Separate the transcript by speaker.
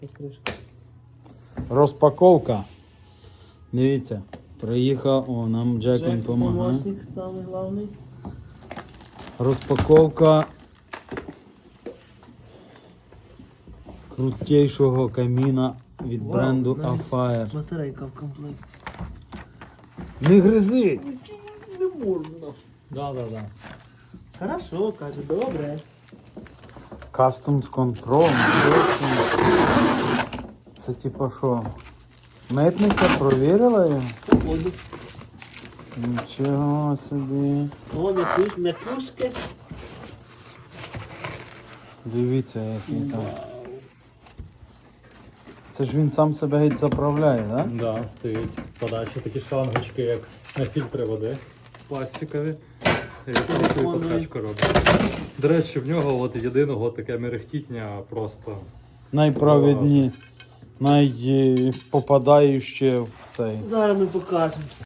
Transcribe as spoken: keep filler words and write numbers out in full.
Speaker 1: Розпаковка. Дивіться, приїхав, о, нам Джек він
Speaker 2: Джек,
Speaker 1: допомагає.
Speaker 2: помощник самий головний.
Speaker 1: Розпаковка крутейшого каміна від
Speaker 2: Вау,
Speaker 1: бренду
Speaker 2: навіть
Speaker 1: Afire.
Speaker 2: Батарейка в комплекті.
Speaker 1: Не гризи!
Speaker 2: Не можна.
Speaker 1: Да, да, да.
Speaker 2: Хорошо, каже, добре.
Speaker 1: Customs Control. Це типа що? Митниця провірила його?
Speaker 2: Походу.
Speaker 1: Нічого собі.
Speaker 2: О, м'якуш, м'якушки.
Speaker 1: Дивіться, який там. Це ж він сам себе геть заправляє, так? Да?
Speaker 3: Да, стоїть подачі такі шлангочки, як на фільтри води. Пластикові. І таку покачку робить. До речі, в нього от єдиного таке мерехтіння просто.
Speaker 1: Найпровідні, найпопадаючі в цей.
Speaker 2: Зараз ми покажемо.